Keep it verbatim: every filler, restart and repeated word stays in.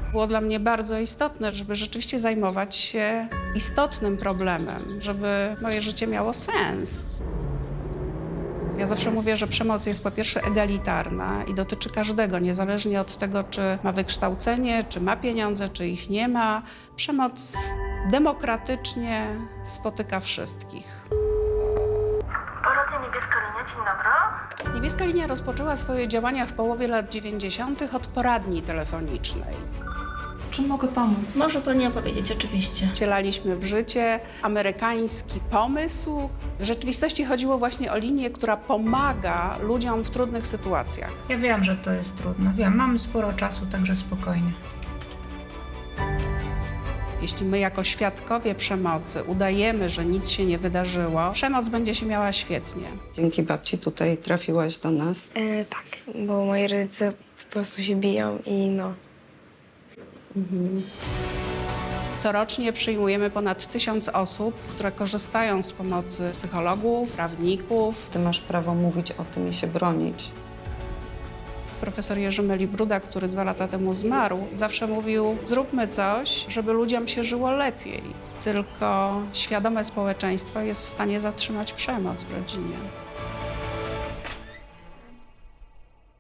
Było dla mnie bardzo istotne, żeby rzeczywiście zajmować się istotnym problemem, żeby moje życie miało sens. Ja zawsze mówię, że przemoc jest po pierwsze egalitarna i dotyczy każdego, niezależnie od tego, czy ma wykształcenie, czy ma pieniądze, czy ich nie ma. Przemoc demokratycznie spotyka wszystkich. Poradnia Niebieska Linia, dzień dobry. Niebieska Linia rozpoczęła swoje działania w połowie lat dziewięćdziesiątych od poradni telefonicznej. Czym mogę pomóc? Może pani opowiedzieć, oczywiście. Wcielaliśmy w życie amerykański pomysł. W rzeczywistości chodziło właśnie o linię, która pomaga ludziom w trudnych sytuacjach. Ja wiem, że to jest trudne. Wiem, mamy sporo czasu, także spokojnie. Jeśli my jako świadkowie przemocy udajemy, że nic się nie wydarzyło, przemoc będzie się miała świetnie. Dzięki babci tutaj trafiłaś do nas. E, tak, bo moi rodzice po prostu się biją i no. Corocznie przyjmujemy ponad tysiąc osób, które korzystają z pomocy psychologów, prawników. Ty masz prawo mówić o tym i się bronić. Profesor Jerzy Melibruda, który dwa lata temu zmarł, zawsze mówił: zróbmy coś, żeby ludziom się żyło lepiej. Tylko świadome społeczeństwo jest w stanie zatrzymać przemoc w rodzinie.